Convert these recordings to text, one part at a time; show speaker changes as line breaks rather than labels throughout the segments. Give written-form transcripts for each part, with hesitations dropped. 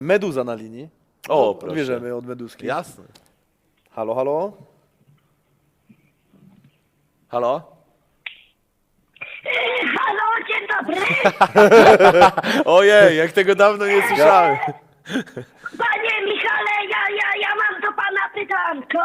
Meduza na linii.
O, proszę.
Bierzemy od Meduski.
Jasne.
Halo, halo?
Halo?
Halo, dzień dobry.
Ojej, jak tego dawno nie słyszałem.
Panie Michale, ja mam do pana pytanko.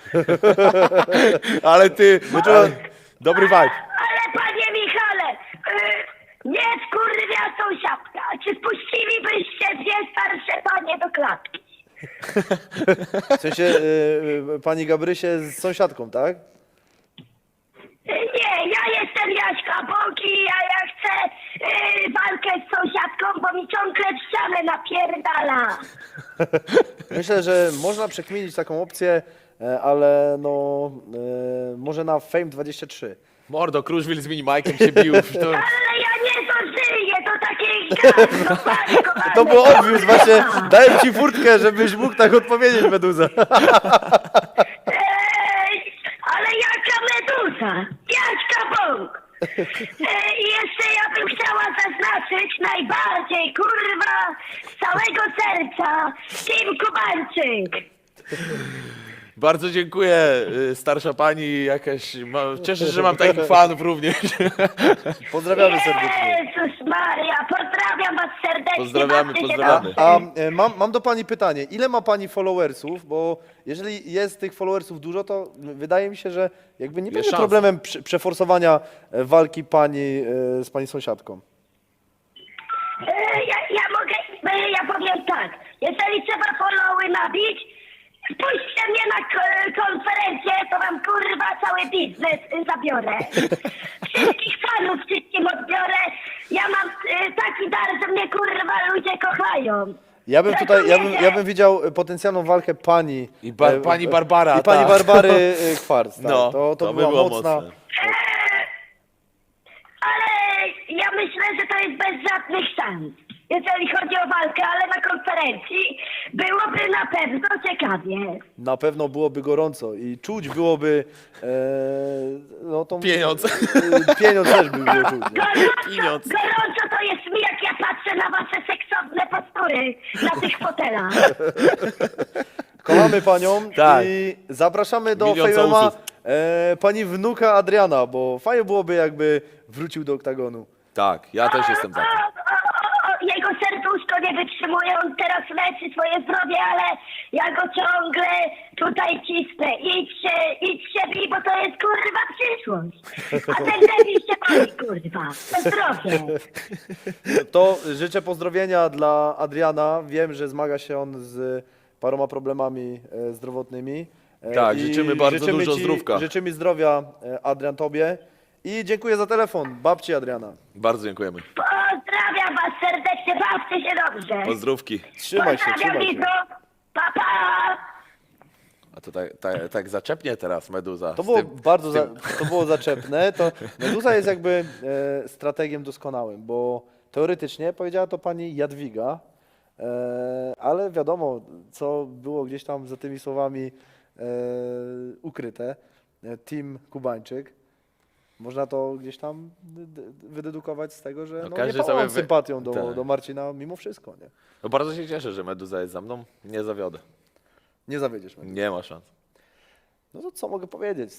Ale ty... Dobry vibe.
Ale panie Michale, nie skurwia sąsiadka. Czy spuścilibyście dwie starsze panie do klatki?
W sensie pani Gabrysie z sąsiadką, tak?
Nie, ja jestem Jaśka Boki, a ja chcę walkę z sąsiadką, bo mi ciągle w ścianę napierdala.
Myślę, że można przekminić taką opcję, ale no może na Fame 23.
Mordo, Kruszwil z minimajkiem się bił. To...
Ale ja nie dożyję, to takie gardło,
To było obvious, właśnie dałem ci furtkę, żebyś mógł tak odpowiedzieć, Meduza.
Ale jaka meduza? Jaśka Bóg! I jeszcze ja bym chciała zaznaczyć najbardziej, kurwa, z całego serca, Tim Kubańczyk.
Bardzo dziękuję, starsza pani jakaś. Cieszę się, że mam takich fanów również.
Pozdrawiamy serdecznie.
Jezus Maria, pozdrawiam was serdecznie.
Pozdrawiamy,
bawcie się
pozdrawiamy.
dobrze.
Mam do pani pytanie. Ile ma pani followersów? Bo jeżeli jest tych followersów dużo, to wydaje mi się, że jakby nie będzie
szansa.
problemem przeforsowania walki pani z pani sąsiadką.
Ja powiem tak, jeżeli trzeba followy nabić, puśćcie mnie na konferencję, to wam kurwa cały biznes zabiorę. Wszystkich fanów wszystkim odbiorę. Ja mam taki dar, że mnie kurwa ludzie kochają.
Ja bym tutaj, ja bym widział potencjalną walkę pani
I pani Barbara.
i pani
tak.
Barbary Kwarc. Tak.
No,
to
by
była
było
mocna.
mocne.
Ale ja myślę, że to jest bez żadnych szans, jeżeli chodzi o walkę, ale na konferencji byłoby na pewno ciekawie.
Na pewno byłoby gorąco i czuć byłoby no tą
Pieniądz.
Pieniądz też by było czuć. Nie?
Pieniądz.
Gorąco to jest mi, jak ja patrzę na wasze seksowne postury na tych fotelach.
Kochamy panią
Tak.
i zapraszamy do
Milion
Fejma
całusów.
pani wnuka Adriana, bo fajnie byłoby jakby wrócił do oktagonu.
Tak, ja też jestem za tym.
Jego serduszko nie wytrzymuje, on teraz leczy swoje zdrowie, ale ja go ciągle tutaj cisnę. Idźcie bij, bo to jest kurwa przyszłość. A ten debil się boi, kurwa. To zdrowie.
To życzę pozdrowienia dla Adriana. Wiem, że zmaga się on z paroma problemami zdrowotnymi.
Tak,
I
życzymy bardzo dużo zdrówka.
Życzymy zdrowia, Adrian, tobie. I dziękuję za telefon, babci Adriana.
Bardzo dziękujemy.
Pozdrawiam was serdecznie, bawcie się dobrze.
Pozdrówki.
Trzymaj się,
Pozdrawiam,
trzymaj się.
Lizo. Pa, pa.
A to tak zaczepnie teraz Meduza.
To
z
było
tym-
bardzo
z tym-
to było zaczepne. To Meduza jest jakby strategiem doskonałym, bo teoretycznie powiedziała to pani Jadwiga, ale wiadomo, co było gdzieś tam za tymi słowami ukryte. Team Kubańczyk. Można to gdzieś tam wydedukować z tego, że
No,
no,
każdy
nie pałam
sobie
sympatią
tak.
do Marcina mimo wszystko. Nie,
No bardzo się cieszę, że Meduza jest za mną. Nie zawiodę.
nie zawiedziesz mnie.
Nie ma szans.
No to co mogę powiedzieć?